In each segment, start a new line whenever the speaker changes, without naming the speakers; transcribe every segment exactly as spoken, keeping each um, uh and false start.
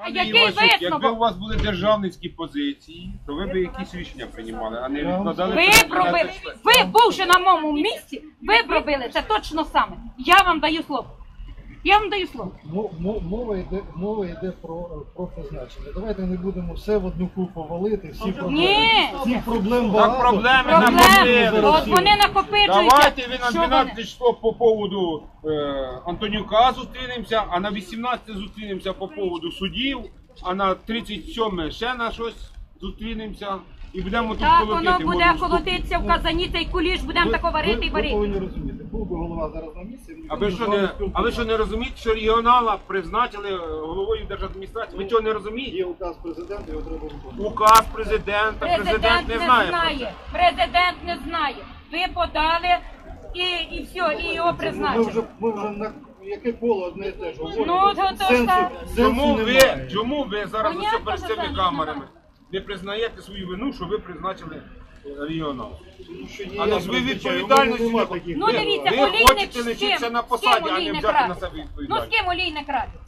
Пане
Який
Івасюк, якби у
висновок?
вас були державницькі позиції, то ви б якісь рішення приймали, а не відкладали...
Ви пробили, ви, бувши на моєму місці, ви пробили це точно саме. Я вам даю слово. Я вам даю слово.
Мо- мо- Мова йде, мова йде про, про призначення. Давайте не будемо все в одну купу валити, всі проблеми.
Ні.
Всіх проблем багато.
Так проблеми
Проблеми.
накопили.
От вони накопичуються.
Давайте ви на
Що вони?
дванадцяте число по поводу е, Антонюка зустрінемося, а на вісімнадцяте зустрінемося по поводу судів, а на тридцять сьоме ще на щось зустрінемося і будемо тут
Так,
колотити.
воно буде
морду.
колотитися в казані, цей куліш, будемо тако варити і
Ви
варити.
повинні розуміти, був би голова зараз на місці.
А ви що не, а ви що не розумієте, що регіонала призначили е, головою держадміністрації? Ви цього не розумієте?
Є указ президента, його треба виконувати.
Указ президента, президент не знає про це.
Президент не знає. Ви подали і, і все, і його
Ми
призначили.
вже, ми вже на яке коло одне і те ж говоримо.
Ну, то- то
Сенсу-
так.
сенсу
Чому ви,
немає.
чому ви зараз
Понятно,
усе перед
що
цими
сенсу
камерами
немає.
не признаєте свою вину, що ви призначили е, регіонал?
Тому що
Але
ніяк
ж ви
не
відповідальності
нема
не
таких
Ну
ви,
прав.
дивіться,
ви
олійник
хочете
з ким?
лишитися на
З
посаді,
ким
а не
олійник
взяти на
радить?
себе
Ну з
відповідальність.
ким олійник радить?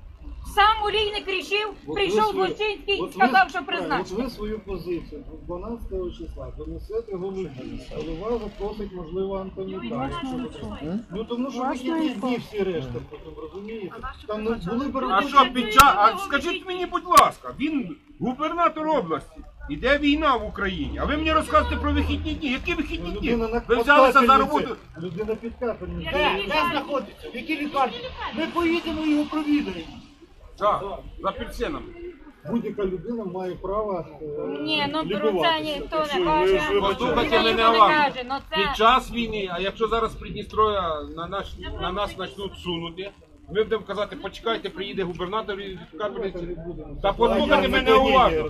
Сам олійник рішив,
От
прийшов
ви свою-
Злочинський і
от
сказав,
ви-
що
От
призначив.
ви свою позицію дванадцятого числа понесете голови. Голова запросить, можливо, Антонюка. Ну тому що ви є дні всі решта, потім розумієте? Там не були б
А що під час, а скажіть мені, будь ласка, він губернатор області. Іде війна в Україні, а ви мені розказуєте про вихідні дні. Які вихідні дні?
людина на
Ви взялися за роботу.
капельниці. Людина під капельницею.
Де?
Де знаходиться? В якій лікарні? Ми поїдемо і його провідаємо.
Так, за апельсинами.
Будь-яка людина має право е,
Ні, ну про
лікуватися.
це ніхто
Так що
не
ви
каже.
ж вибачайте.
Послухайте
Ніхто
мене
не
уважно.
каже, ну це-
Під час війни, а якщо зараз з Придністров'я на, наш, на нас почнуть сунути, ми будемо казати, почекайте, приїде губернатор і капельниці. Та послухайте мене уважно.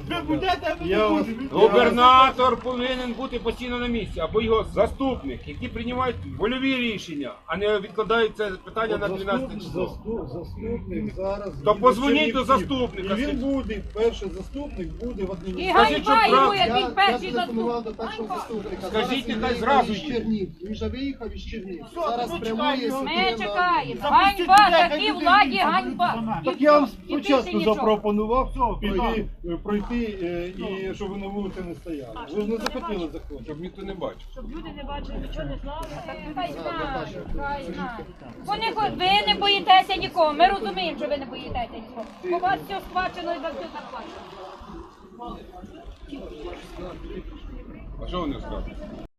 Я вас-
Губернатор повинен бути постійно на місці, або його заступник, які приймають вольові рішення, а не відкладають це питання на дванадцяте
Заступ-
число.
заступ- Заступник зараз.
То
буде
позвоніть до
Чернівців.
заступника,
І він
скажіть.
буде, перший заступник буде в
І
адміністрації.
Скажіть,
ганьба
що
йому,
прав-
як він перший
зателефонував
заступник.
до першого заступника.
Скажіть,
Зараз
нехай
він
зразу
виїхав із
їде.
Чернівців. Він вже виїхав із Чернівців. Зараз прямує сюди
Ми
на-
чекаємо. Ганьба, такій владі, ганьба.
Так я вам
І більше
спочатку
нічого.
запропонував піти, е, пройти, е, і щоб ви на вулиці не стояли. Ви ж не захотіли заходити.
Щоб ніхто не бачив.
Люди не бачили, нічого не знали.
Хай знають, хай знають. Вони хо- ви не боїтеся нікого. Ми розуміємо, що ви не боїтеся нікого. У вас все схвачено і за все заплачено.
А що вони скажуть?